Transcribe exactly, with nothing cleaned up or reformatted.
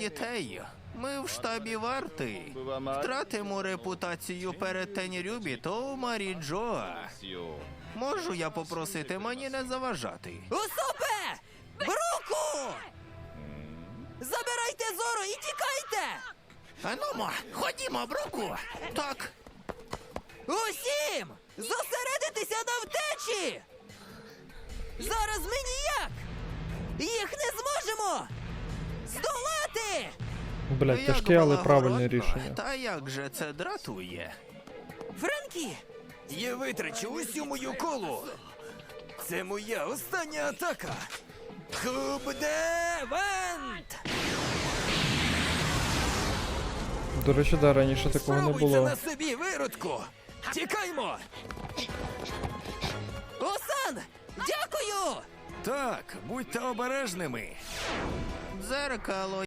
дітей. Ми в штабі варти. Втратимо репутацію перед Тенрюбі, то Марі Джоа. Можу я попросити мені не заважати? Усопе! Бруку! Забирайте Зору і тікайте! Анумо, ходімо, Бруку! Так. Усім! Зосередитися на втечі! Зараз ми ніяк! Їх не зможемо! Здолати! Блять, Як тяжке, але правильне благородно. рішення. Та як же це дратує? Френкі! Я витрачу усю мою колу. Це моя остання атака. Хубдевент! До речі, да, раніше такого не Спробуй це було. на собі, виродку! Тікаймо! Осан! Дякую! Так, будьте обережними. Дзеркало